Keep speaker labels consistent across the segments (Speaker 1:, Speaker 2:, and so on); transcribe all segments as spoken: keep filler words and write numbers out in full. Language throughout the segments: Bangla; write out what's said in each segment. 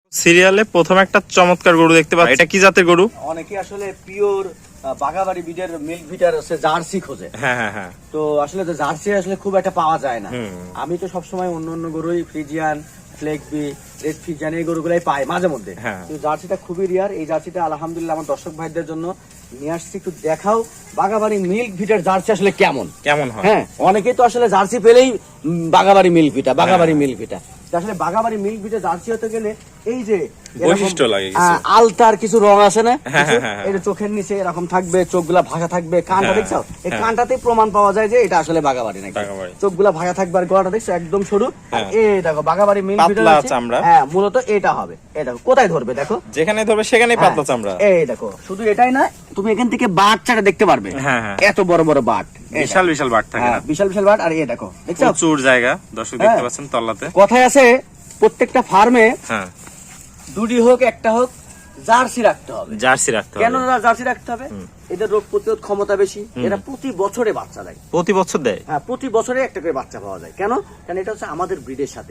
Speaker 1: সিরিয়ালে প্রথম একটা চমৎকার গরু দেখতে পাচ্ছি, এটা কি জাতের গরু?
Speaker 2: অনেকে আসলে পিওর বাগাবাড়ি বিডের মিল্ক ভিটার আছে জার্সি খোঁজে।
Speaker 1: হ্যাঁ হ্যাঁ হ্যাঁ।
Speaker 2: তো আসলে যে জার্সি আসলে খুব একটা পাওয়া যায় না। আমি তো সবসময় অন্য অন্য গরুই ফ্রিজিয়ান, ফ্লেকবি, রেড ফ্রিজিয়ান এই গরুগুলাই পাই মাঝে মধ্যে। কিন্তু জার্সিটা খুবই রিয়ার। এই জার্সিটা আলহামদুলিল্লাহ আমার দর্শক ভাইদের জন্য নিয়ে আসছি, একটু দেখাও বাগাবাড়ি মিল্ক ভিটার জার্সি আসলে কেমন কেমন হয়। হ্যাঁ, অনেকেই তো আসলে জার্সি পেলেই বাগাবাড়ি মিল্ক ভিটা বাগাবাড়ি মিল্ক ভিটা আসলে বাগাবাড়ি মিল্ক ভিটা জার্সি হতে গেলে এই যে
Speaker 1: বৈশিষ্ট্য লাগে,
Speaker 2: আলতার কিছু রং আছে না, এটা চোখের নিচে এরকম থাকবে, চোখগুলা ভাঙা থাকবে, কানটা দেখছো, এই কানটাতেই প্রমাণ পাওয়া যায় যে এটা আসলে বাগাবাড়ি নাকি। চোখগুলা ভাঙা থাকবে আর গলাটা দেখছো একদম সরু। এই দেখো বাগাবাড়ি মিল্ক ভিটা চামড়া, হ্যাঁ মূলত এটা হবে। এই দেখো কোথায় ধরবে, দেখো যেখানে ধরবে সেখানেই পাতলা চামড়া। এই দেখো শুধু এটাই না, তুমি এখান থেকে বাটটা দেখতে পারবে, এত বড় বড় বাট,
Speaker 1: বিশাল বিশাল বাট থাকে না,
Speaker 2: বিশাল বিশাল বাট। আর এই দেখো দেখছো
Speaker 1: প্রচুর জায়গা, দর্শক দেখতে পাচ্ছেন তল্লাতে।
Speaker 2: কথায় আছে প্রত্যেকটা ফার্মে হ্যাঁ দুটি হোক একটা হোক জার্সি রাখতে হবে।
Speaker 1: জার্সি রাখতে হবে কেন?
Speaker 2: জার্সি রাখতে হবে, এদের রোগ প্রতিরোধ ক্ষমতা বেশি, এরা প্রতি বছরে বাচ্চা দেয়।
Speaker 1: প্রতি বছর দেয়?
Speaker 2: হ্যাঁ, প্রতি বছরে একটা করে বাচ্চা পাওয়া যায়। কেন? কারণ এটা হচ্ছে আমাদের ব্রিডের সাথে,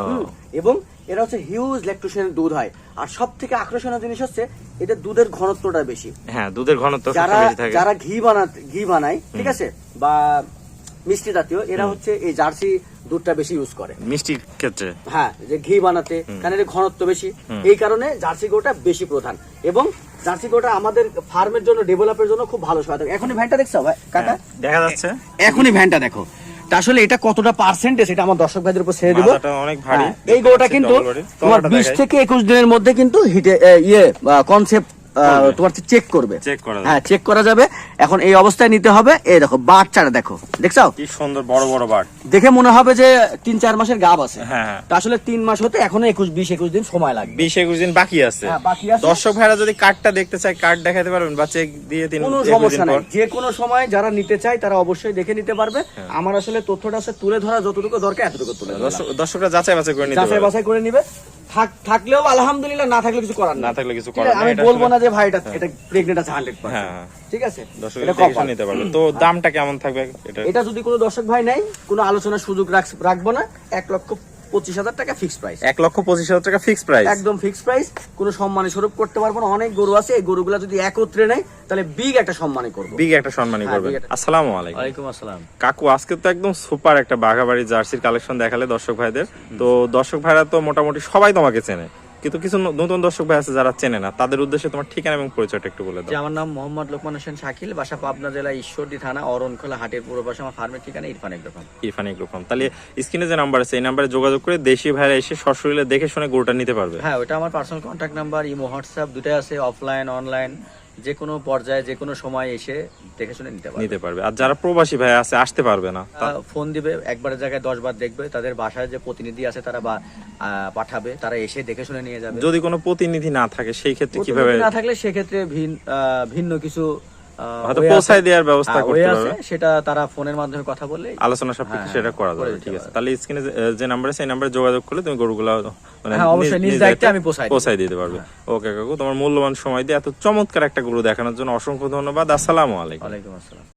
Speaker 2: এবং এরা হচ্ছে হিউজ ল্যাকটোজেনের দুধ হয়। আর সব থেকে আকর্ষণীয় জিনিস হচ্ছে এদের দুধের ঘনত্বটা বেশি।
Speaker 1: হ্যাঁ, দুধের ঘনত্ব
Speaker 2: যারা যারা ঘি বানাতে ঘি বানায়, ঠিক আছে, বা মিষ্টি জাতীয়, এরা হচ্ছে এই জার্সি দুধটা বেশি ইউজ করে
Speaker 1: মিষ্টির ক্ষেত্রে।
Speaker 2: হ্যাঁ, যে ঘি বানাতে, কারণ এর ঘনত্ব বেশি, এই কারণে জার্সি গরুটা বেশি প্রধান। এবং জার্সি গরুটা আমাদের ফার্মের জন্য, ডেভেলপের জন্য খুব ভালো সহায়তা। এখনই ভ্যানটা দেখছো ভাই কাকা,
Speaker 1: দেখা যাচ্ছে
Speaker 2: এখনই ভ্যানটা দেখো। আসলে এটা কতটা পার্সেন্টেজ এটা আমার দর্শক ভাইদের উপর ছেড়ে দিব।
Speaker 1: অনেক ভারী
Speaker 2: এই গরুটা কিন্তু তোমার বিশ থেকে একুশ দিনের মধ্যে কিন্তু হিটে ইয়ে কনসেপ্ট তোমার চেক করবে, হ্যাঁ চেক করা যাবে। এখন এই অবস্থায় নিতে হবে। এই দেখো বাচ্চাটা দেখো, দেখছো
Speaker 1: কি সুন্দর বড় বড় বাট,
Speaker 2: দেখে মনে হবে যে তিন চার মাসের গাব আছে। হ্যাঁ, আসলে তিন মাস হতে এখনো একুশ বিশ একুশ দিন সময় লাগবে,
Speaker 1: বিশ একুশ দিন বাকি আছে। দর্শক ভাইরা যদি কার্ডটা দেখতে চায়, কার্ড দেখাতে পারবেন বা চেক দিয়ে তিন
Speaker 2: কোনো সমস্যা নাই, যে কোনো সময় যারা নিতে চায় তারা অবশ্যই দেখে নিতে পারবে। আমার আসলে তথ্যটা আছে তুলে ধরা যতটুকু দরকার এতটুকু তুলে,
Speaker 1: দর্শকরা যাচাই বাছাই করে নিতে
Speaker 2: যাচাই বাছাই করে নিবে। থাকলেও আলহামদুলিল্লাহ, না থাকলে কিছু করার
Speaker 1: না থাকলে কিছু করার
Speaker 2: আমি বলবো না যে ভাই এটা এটা প্রেগন্যান্ট আছে একশো পার্সেন্ট। হ্যাঁ, ঠিক আছে,
Speaker 1: এটা কখন নিতে পারবে। তো দামটা কেমন থাকবে এটা?
Speaker 2: এটা যদি কোনো দর্শক ভাই নাই, কোনো আলোচনার সুযোগ রাখবো না। এক লক্ষ পঁচিশ হাজার টাকা ফিক্সড প্রাইস।
Speaker 1: এক লক্ষ পঁচিশ হাজার টাকা ফিক্সড প্রাইস,
Speaker 2: একদম ফিক্সড প্রাইস। কোনো সম্মানী স্বরূপ করতে পারবো না। অনেক গরু আছে, এই গরুগুলা যদি একত্রে নেয় তাহলে বিগ একটা সম্মানী করবো,
Speaker 1: বিগ একটা সম্মানী করবে। আসসালামু আলাইকুম।
Speaker 2: ওয়ালাইকুম আসসালাম
Speaker 1: কাকু, আজকে তো একদম সুপার একটা বাঘাবাড়ি জার্সির কালেকশন দেখালে দর্শক ভাইদের। তো দর্শক ভাইরা তো মোটামুটি সবাই তোমাকে চেনে, কিন্তু কিছু নতুন দর্শক ভাই আছে যারা চেনে না, তাদের উদ্দেশ্যে তোমার ঠিকানা এবং পরিচয়টা একটু বলে দাও।
Speaker 2: আমার নাম মোহাম্মদ লোকমান হোসেন শাকিল, বাসা পাবনা জেলা ঈশ্বরদী থানা অরণখোলা হাটের পূর্ব পাশে। আমার ফার্মের ঠিকানা ইরফান এগ্রোফার্ম।
Speaker 1: ইরফান এগ্রোফার্ম। তাহলে স্ক্রিনে যে নাম্বার আছে এই নাম্বারে যোগাযোগ করে দেশি ভাইরা এসে সশরীরে দেখে শুনে গরুটা নিতে পারবে।
Speaker 2: হ্যাঁ, ওটা আমার personal contact number, imo WhatsApp দুটাই আছে, অফলাইন অনলাইন, যে কোনো পর্যায়ে যে কোনো সময় এসে দেখে শুনে নিতে পারবে
Speaker 1: নিতে পারবে। আর যারা প্রবাসী ভাই আছে, আসতে পারবে না,
Speaker 2: ফোন দিবে, একবারের জায়গায় দশ বার দেখবে। তাদের বাসায় যে প্রতিনিধি আছে তারা বা পাঠাবে, তারা এসে দেখে শুনে নিয়ে যাবে।
Speaker 1: যদি কোনো প্রতিনিধি না থাকে সেই ক্ষেত্রে কিভাবে?
Speaker 2: না থাকলে সেক্ষেত্রে ভিন্ন কিছু
Speaker 1: হয়তো পৌঁছায় দেওয়ার ব্যবস্থা করতে পারবে,
Speaker 2: সেটা তারা ফোনের মাধ্যমে কথা বলে
Speaker 1: আলোচনা সাপেক্ষে সেটা করা যাবে। ঠিক আছে, তাহলে স্ক্রিনে যে নাম্বার আছে এই নাম্বারে যোগাযোগ করলে তুমি গরুগুলো মানে
Speaker 2: নিজ দায়িত্বে আমি
Speaker 1: পৌঁছায় দিতে পারবে। ওকে কাকু, তোমার মূল্যবান সময় দিয়ে এত চমৎকার একটা গরু দেখানোর জন্য অসংখ্য ধন্যবাদ। আসসালামু আলাইকুম।
Speaker 2: ওয়ালাইকুম আসসালাম।